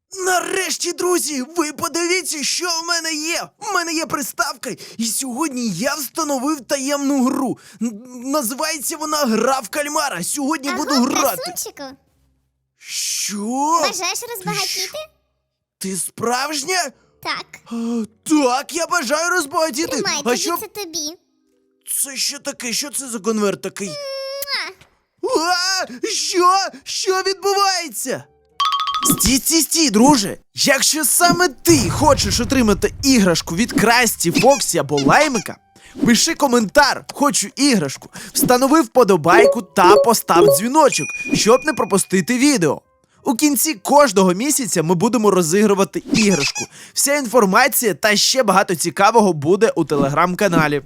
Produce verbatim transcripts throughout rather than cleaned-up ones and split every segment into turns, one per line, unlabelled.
Нарешті, друзі, ви подивіться, що в мене є. У мене є приставка, і сьогодні я встановив таємну гру. Н- Називається вона «Гра в кальмара». Сьогодні буду
Аго,
грати.
красунчику,
Що?
бажаєш розбагатіти?
Ти справжня?
Так.
А, так, я бажаю розбагатіти.
Тримай,
А
тоді
що
це тобі.
це що таке? Що це за конверт такий?
Муа.
А, що? Що відбувається? Стій, стій, стій, друже. Якщо саме ти хочеш отримати іграшку від Красті, Фоксі або Лаймика, пиши коментар «Хочу іграшку», встанови вподобайку та постав дзвіночок, щоб не пропустити відео. У кінці кожного місяця ми будемо розігрувати іграшку. Вся інформація та ще багато цікавого буде у телеграм-каналі.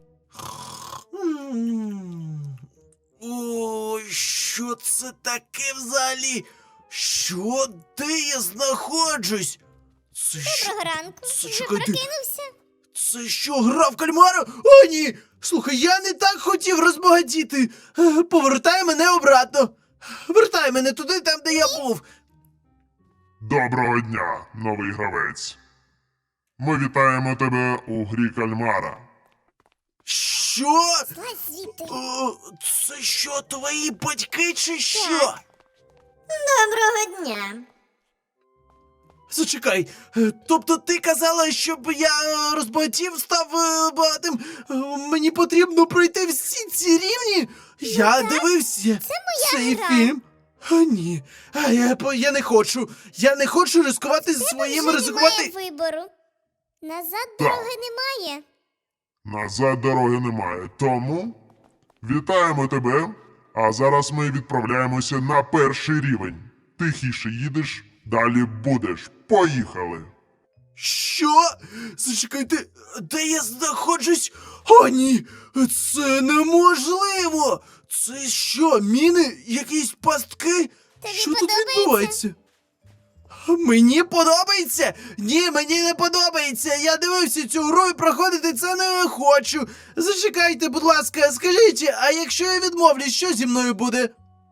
Ой, що це таке взагалі? Що? Де я знаходжусь? Це що?
Доброго ранку.
Це,
Вже
чекайте.
прокинувся?
Це що, гра в кальмара? О, ні! Слухай, я не так хотів розбагатіти. Е, Повертай мене обратно. Вертай мене туди, там, де я був.
Доброго дня, новий гравець. Ми вітаємо тебе у грі кальмара.
Що?
Злазь звідти.
О, це що, твої батьки чи що?
Так. Доброго дня.
Зачекай, е, тобто ти казала, щоб я е, розбагатів, став е, багатим. Е, Мені потрібно пройти всі ці рівні? Я
так.
дивився
Це моя
цей
гра.
фільм. А ні, а я, по- я не хочу. Я не хочу ризикувати
Тебе
своїм
вже
ризикувати.
немає вибору. Назад дороги немає.
Назад дороги немає, тому вітаємо тебе. А зараз ми відправляємося на перший рівень. Тихіше їдеш, далі будеш. Поїхали!
Що? Зачекайте, де я знаходжусь? О, ні! Це неможливо! Це що, міни? Якісь пастки?
Тобі
що тут
подобається?
відбувається? Мені подобається? Ні, мені не подобається. Я дивився цю гру і проходити це не хочу. Зачекайте, будь ласка, скажіть, а якщо я відмовлюсь, що зі мною буде?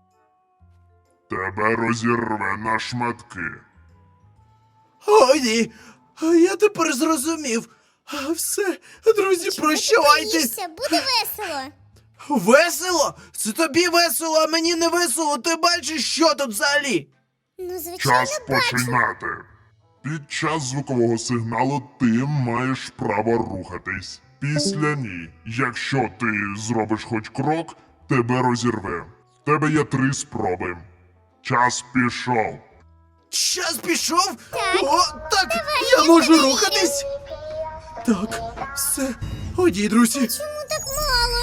Тебе розірве на шматки.
О, ні. А я тепер зрозумів. А, все, друзі,
Чого
прощавайте.
ти боїшся? Буде весело.
Весело? Це тобі весело, а мені не весело. Ти бачиш, що тут взагалі?
Ну, звичайно,
Час
бачу.
починати. Під час звукового сигналу ти маєш право рухатись. Після ні. Якщо ти зробиш хоч крок, тебе розірве. В тебе є три спроби. Час пішов.
Час пішов?
Так.
О, так, я
я
можу
тебе
рухатись. Так, все. Оді, друзі.
Чому так мало?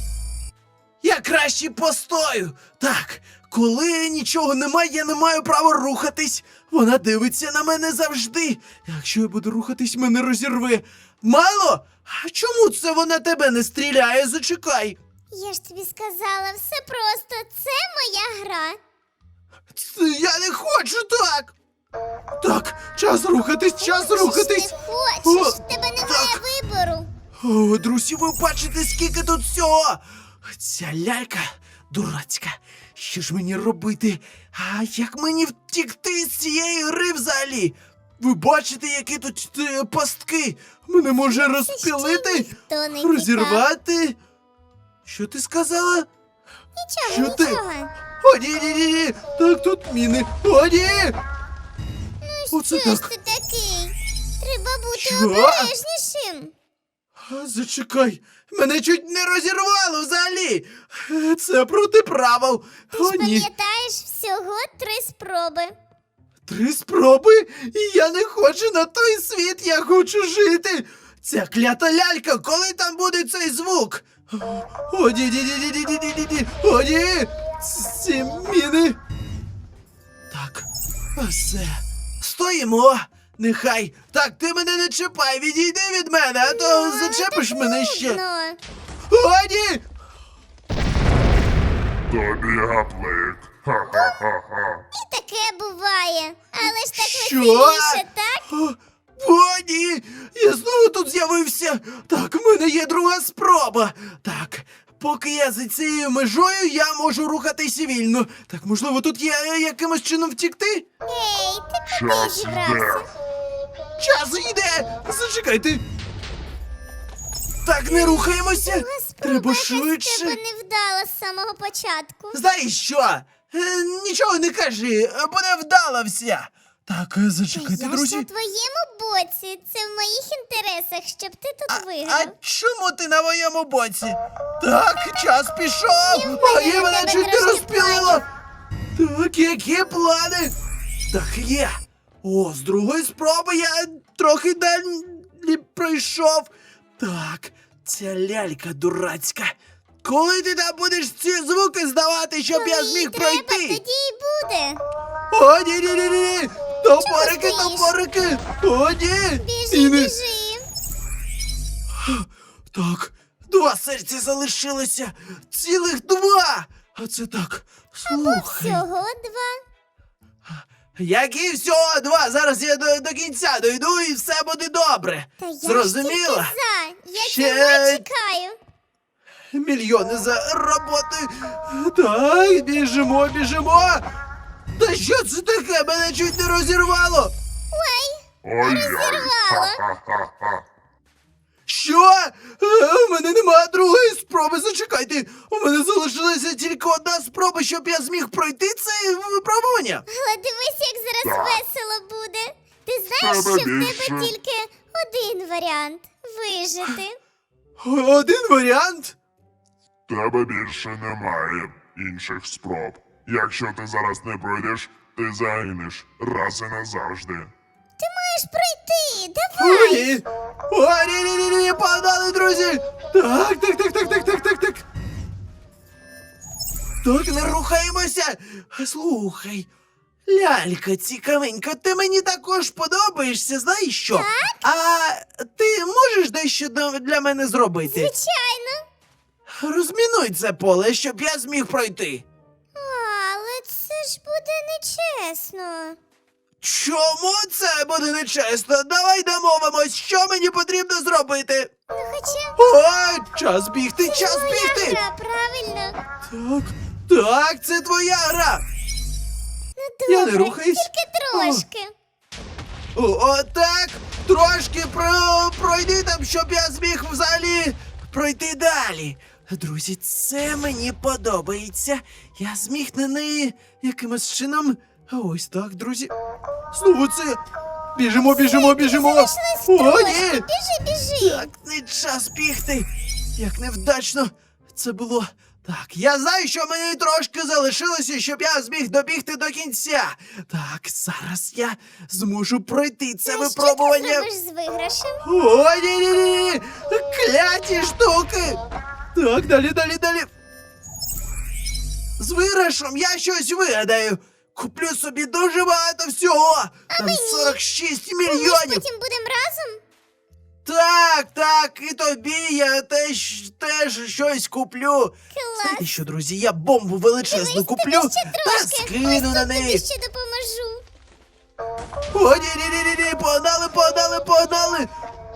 Я краще постою. Так, коли нічого немає, я не маю права рухатись. Вона дивиться на мене завжди. Якщо я буду рухатись, мене розірве. Мало? А чому це вона тебе не стріляє? Зачекай.
Я ж тобі сказала, все просто. Це моя гра.
Це я не хочу так. Так, час рухатись, час
Хочеш,
рухатись.
Не хочеш,
О,
в тебе немає
так.
вибору.
О, друзі, ви бачите, скільки тут всього. Ця лялька дурацька. Що ж мені робити? А як мені втікти з цієї гри взагалі? Ви бачите, які тут е, пастки? Мене може розпілити,
ніхто не
розірвати. Що ти сказала?
Нічого,
Що ти?
нічого.
О, ні, ні, ні, ні. Так, тут міни. О, ні.
Ну
Оце
що ж
так.
ти такий? Треба бути
Що?
обережнішим.
А, зачекай, мене чуть не розірвало взагалі. Е, Це проти правил.
Ти
О,
ж
ні.
пам'ятаєш всього три спроби.
Три спроби? І я не хочу на той світ, я хочу жити. Ця клята лялька, коли там буде цей звук? О, ні, ні, ні, ні, ні, ні, ні, ні, ні. О, ні. Ц- Ці міни. Так, все. Стоїмо. Нехай. Так, ти мене не чіпай, відійди від мене, а то
Ну,
зачепиш
так
мене ще.
нудно.
О, ні.
Тобі гаплик. Ха-ха-ха-ха.
І таке буває. Але ж так
Що?
веселіше, так?
О, о, ні! Я знову тут з'явився! Так, в мене є друга спроба. Так, поки я за цією межою, я можу рухатися вільно. Так, можливо, тут є е, якимось чином втікти?
Ей, ти куди
Час
зібрався?
йде.
Час йде! Зачекайте! Так, не рухаємося! Треба
Спроба якась в тебе
швидше!
не вдала з самого початку.
Знаєш що? Е, нічого не кажи, е, буде вдала вся! Так, е, зачекайте,
Я ж
друзі.
на твоєму боці. Це в моїх інтересах, щоб ти тут
А
виграв.
чому ти на моєму боці? Так, час пішов!
І в
А
мене
я
на
мене
тебе
чуть не
трошки
розпілило! Так, які плани? Так, є! О, з другої спроби я трохи далі пройшов. Так, ця лялька дурацька. Коли ти там будеш ці звуки здавати, щоб
Коли
я
їй
зміг
треба,
пройти?
тоді і буде.
О, ні, ні, ні, ні! Топорики,
стоїш?
топорики! О, ні!
Біжи,
І не-
біжи.
Так, два серця залишилося! Цілих два! А це так, слухай.
Всього два.
Які всього два? Зараз я до, до кінця дойду і все буде добре.
Та я ж
Зрозуміла?
тільки за. Я
Ще-
цього чекаю.
Мільйони за роботи. Так, біжимо, біжимо. Та що це таке? Мене чуть не розірвало.
Ой-ой.
Розірвало.
Ха-ха-ха-ха.
Що? Е, У мене немає другої спроби. Зачекайте. У мене залишилася тільки одна спроба, щоб я зміг пройти це випробування.
Але дивись, як зараз
Так.
весело буде. Ти знаєш,
Тебе
що в
більше.
тебе тільки один варіант вижити.
Один варіант.
Тебе більше немає інших спроб. Якщо ти зараз не пройдеш, ти загинеш раз і назавжди.
Ти маєш пройти.
О,
Давай.
ні. О, ні, ні, ні, ні, погнали, друзі. Так, так, так, так, так, так, так, так. Так, не рухаємося. Слухай, лялька цікавенька, ти мені також подобаєшся, знаєш що? А ти можеш дещо до- для мене зробити?
Звичайно.
Розмінуй це поле, щоб я зміг пройти.
А, але це ж буде нечесно.
Чому це буде нечесно? Давай домовимось, що мені потрібно зробити.
Ну хоча
О, час бігти, час
твоя
бігти!
гра, правильно.
Так, так, це твоя гра.
Ну
Я не
добре,
рухаюсь.
тільки трошки.
О, о, так, трошки про, пройди там, щоб я зміг взагалі пройти далі. Друзі, це мені подобається. Я зміг на неї якимось чином. А ось так, друзі. Знову це. Біжимо, біжимо, біжимо.
Залишилось
О,
трошки.
ні.
Біжи, біжи.
Так, не час бігти. Як невдачно це було. Так, я знаю, що мені трошки залишилося, щоб я зміг добігти до кінця. Так, зараз я зможу пройти це
Ну,
випробування.
Що ти зробиш з виграшем?
О, ні, ні, ні, кляті штуки. Так, далі, далі, далі. З виграшем я щось вигадаю. Куплю собі дуже багато всього. Там сорок шість
Ми ж
мільйонів.
потім будемо разом?
Так, так, і тобі я теж, теж щось куплю.
Клас.
Знаєте що, друзі, я бомбу величезну
Дивись,
куплю
тобі ще
та
трошки.
скину
Ось
на
тут
неї.
тобі ще допоможу.
О, ні, ні, ні, ні, ні, погнали, погнали, погнали.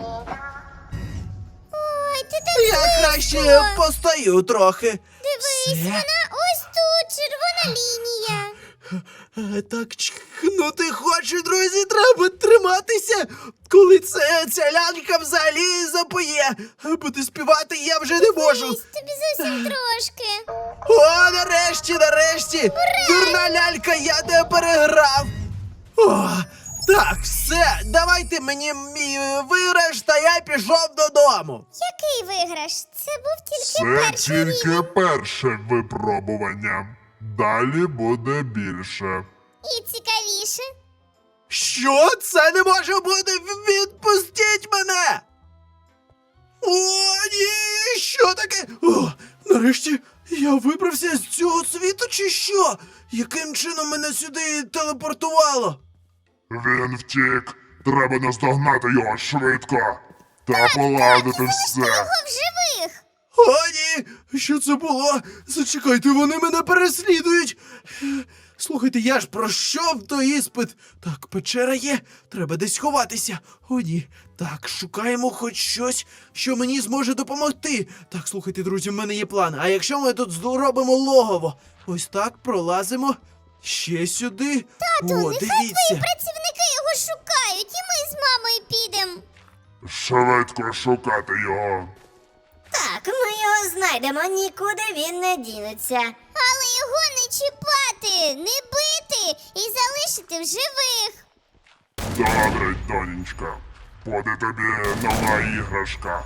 Ой, ти так
Я
близько.
краще постою трохи.
Дивись,
Все.
вона ось тут, червона лінія.
Е, Так чхнути хоче, друзі, треба триматися. Коли це ця лялька взагалі запоє. Буде співати я вже не можу.
Дивись, тобі зовсім трошки.
О, нарешті, нарешті! Дурна лялька, я тебе переграв! О, так, все, давайте мені мій е, виграш, та я пішов додому.
Який виграш? Це був тільки
Це
перший рівень.
тільки перше випробування. Далі буде більше.
І цікавіше.
Що? Це не може бути! В- Відпустіть мене! О, ні! Що таке? О, нарешті я вибрався з цього світу, чи що? Яким чином мене сюди телепортувало?
Він втік. Треба наздогнати його швидко. Та поладити все.
Його в живих.
О, ні! Що це було? Зачекайте, вони мене переслідують. Е, Слухайте, я ж пройшов той іспит. Так, печера є, треба десь ховатися. О, ні. Так, шукаємо хоч щось, що мені зможе допомогти. Так, слухайте, друзі, в мене є план. А якщо ми тут зробимо логово? Ось так, пролазимо. Ще сюди.
Тату,
О,
нехай
дивіться.
твої працівники його шукають, і ми з мамою підемо.
Швидко шукати його.
Так, ми його знайдемо, нікуди він не дінеться.
Але його не чіпати, не бити і залишити в живих.
Добре, донечка. Буде тобі нова іграшка.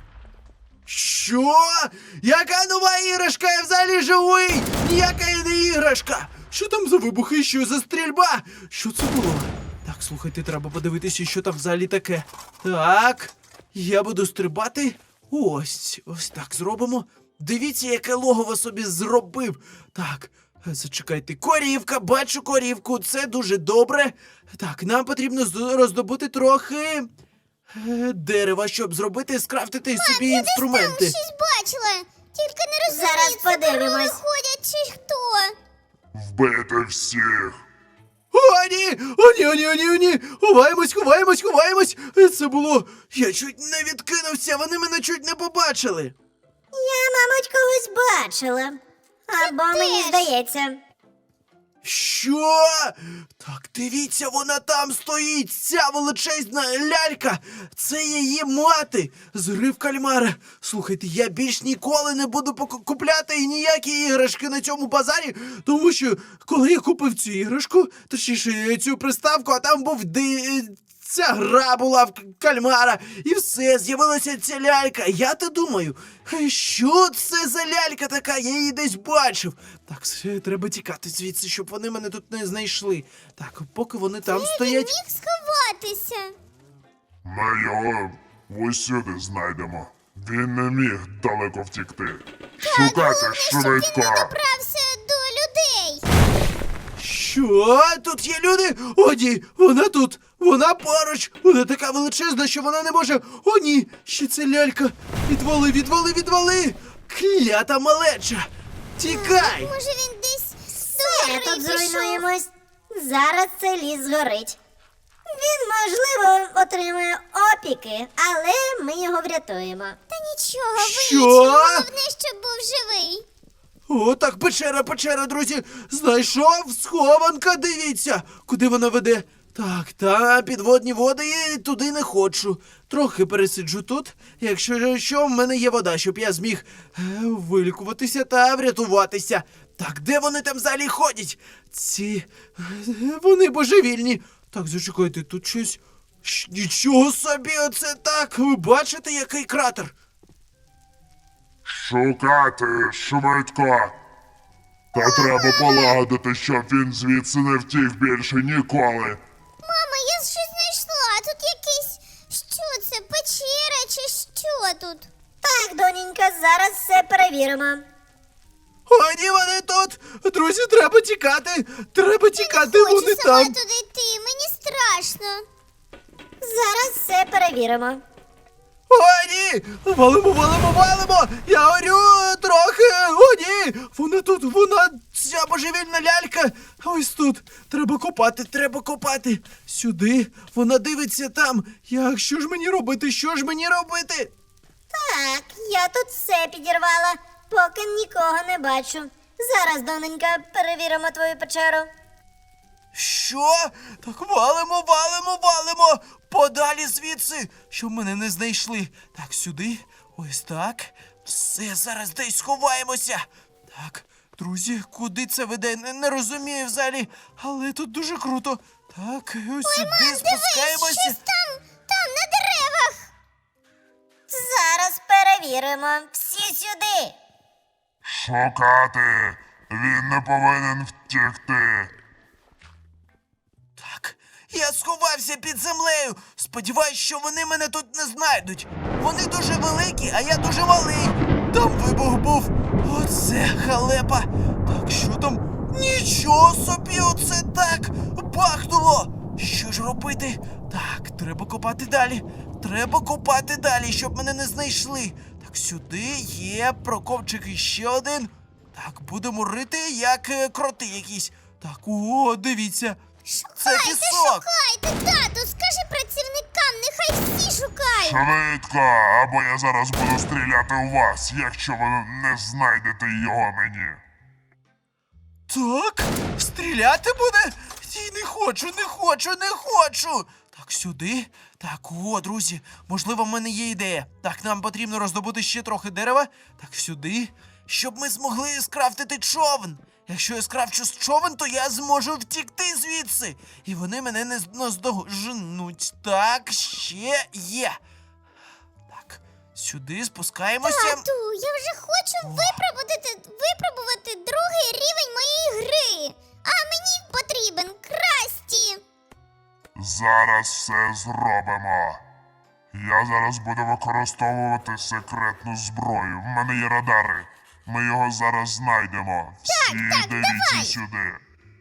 Що? Яка нова іграшка? Я взагалі живий! Ніяка не іграшка! Що там за вибухи? Що за стрільба? Що це було? Так, слухайте, треба подивитися, що там взагалі таке. Так, я буду стрибати. Ось, ось так зробимо. Дивіться, яке логово собі зробив. Так, зачекайте, корівка, бачу корівку, це дуже добре. Так, нам потрібно з- роздобути трохи е, дерева, щоб зробити, скрафтити собі
Там
інструменти.
щось бачила. Тільки не розумію,
Зараз
це
подивимось.
корови ходять чи хто.
Вбити всіх.
О, ні! О, ні, о, ні, о, ні, о, ні! Ховаємось, ховаємось, ховаємось! Е, Це було... Я чуть не відкинувся, вони мене чуть не побачили.
Я, мабуть, когось бачила. Або мені
теж.
здається.
Що? Так, дивіться, вона там стоїть, ця величезна лялька. Це її мати з гри в кальмара. Слухайте, я більш ніколи не буду поку- купляти ніякі іграшки на цьому базарі, тому що коли я купив цю іграшку, точніше цю приставку, а там був ди... Ця гра була в к- кальмара, і все, з'явилася ця лялька. Я то думаю, «Е, що це за лялька така? Я її десь бачив. Так, все, треба тікати звідси, щоб вони мене тут не знайшли. Так, поки вони там
Він
стоять.
міг сховатися.
Ми його усюди знайдемо. Він не міг далеко втікти. Шукати
Щоб він не
швидко.
добрався до людей.
Що? Тут є люди? О, ні, вона тут. Вона поруч. Вона така величезна, що вона не може. О, ні, ще це лялька. Відвали, відвали, відвали. Клята малеча. Тікай.
Може він десь до
Ми
гори
тут
пішов.
зруйнуємось. Зараз цей ліс згорить. Він, можливо, отримує опіки, але ми його врятуємо.
Та нічого,
Що?
вилічимо. Головне, щоб був живий.
О, так, печера, печера, друзі. Знайшов схованка, дивіться, куди вона веде. Так, та підводні води, і туди не хочу. Трохи пересиджу тут. Якщо що, в мене є вода, щоб я зміг е, вилікуватися та врятуватися. Так, де вони там взагалі ходять? Ці. е, Вони божевільні. Так, зачекайте, тут щось. Щ- Нічого собі, оце так. Ви бачите, який кратер?
Шукати швидко. Та треба полагодити, щоб він звідси не втік більше ніколи.
Мама, я щось знайшла. Тут якийсь. Що це? Печера чи що тут?
Так, доненька, зараз все перевіримо.
О, ні, вони тут! Друзі, треба тікати! Треба тікати,
Хочу
вони
сама
там!
туди йти, мені страшно.
Зараз все перевіримо.
О, ні! Валимо, валимо, валимо! Я горю трохи! О, ні! Вона тут, вона, ця божевільна лялька! Ось тут! Треба копати, треба копати! Сюди! Вона дивиться там! Як, що ж мені робити? Що ж мені робити?
Так, я тут все підірвала, поки нікого не бачу. Зараз, доненька, перевіримо твою печеру.
Що? Так валимо, валимо, валимо! Подалі звідси, щоб мене не знайшли. Так, сюди, ось так. Все, зараз десь сховаємося. Так, друзі, куди це веде? Не, не розумію взагалі, але тут дуже круто. Так, ось сюди спускаємося.
Щось там, там, на деревах.
Зараз перевіримо. Всі сюди.
Шукати. Він не повинен втікти.
Так, я сховався під землею. Сподіваюсь, що вони мене тут не знайдуть. Вони дуже великі, а я дуже малий. Там вибух був. Оце халепа. Так, що там? Нічого собі, оце так бахнуло. Що ж робити? Так, треба копати далі. Треба копати далі, щоб мене не знайшли. Так, сюди є прокопчик іще один. Так, будемо рити, як е, кроти якісь. Так, о, дивіться. Це
Шукайте,
пісок.
шукайте, тату, скажи працівникам, нехай всі шукають.
Швидко, або я зараз буду стріляти у вас, якщо ви не знайдете його мені.
Так, стріляти буде? Ні, не хочу, не хочу, не хочу. Так, сюди. Так, о, друзі, можливо, в мене є ідея. Так, нам потрібно роздобути ще трохи дерева. Так, сюди. Щоб ми змогли скрафтити човен. Якщо я скрафчу човен, то я зможу втікти звідси. І вони мене не наздоженуть. Так, ще є. Так, сюди спускаємося.
Тату, я вже хочу випробувати, випробувати другий рівень моєї гри. А мені потрібен Красті.
Зараз все зробимо. Я зараз буду використовувати секретну зброю. В мене є радари. Ми його зараз знайдемо. Всі
так,
дивіться
давай.
сюди.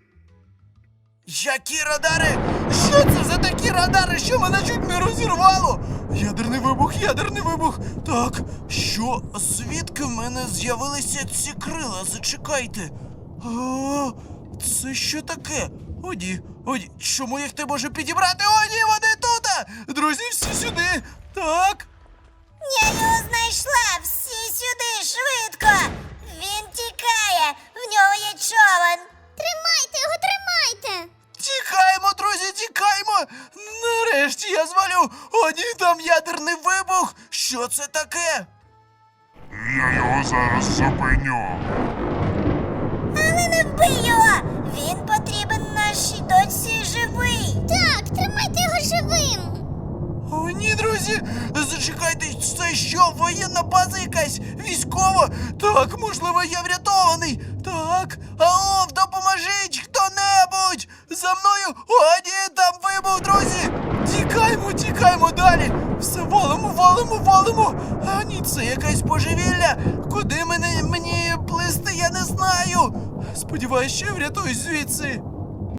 Які радари? Що це за такі радари, що мене чуть не розірвало? Ядерний вибух, ядерний вибух. Так, що? Звідки в мене з'явилися ці крила? Зачекайте. А, це що таке? О, ні, о, ні. Чому їх не можу підібрати? О, ні, вони тут! Друзі, всі сюди. Так.
Я його знайшла! Всі сюди, швидко! Він тікає! В нього є човен!
Тримайте його, тримайте.
Тікаємо, друзі, тікаємо! Нарешті я звалю! О, ні, там ядерний вибух! Що це таке?
Я його зараз зупиню.
Але не вбий його! Він потрібен нашій дочці живий!
Так, тримайте його живим.
О, ні, друзі! Зачекайте, це що, воєнна база якась? Військова? Так, можливо, я врятований! Так, алло, допоможіть хто-небудь! За мною! О, ні, там вибух, друзі! Тікаємо, тікаємо далі! Все, валимо, валимо, валимо! А ні, це якась божевілля! Куди мене, мені плисти, я не знаю! Сподіваюсь, що я врятуюсь звідси!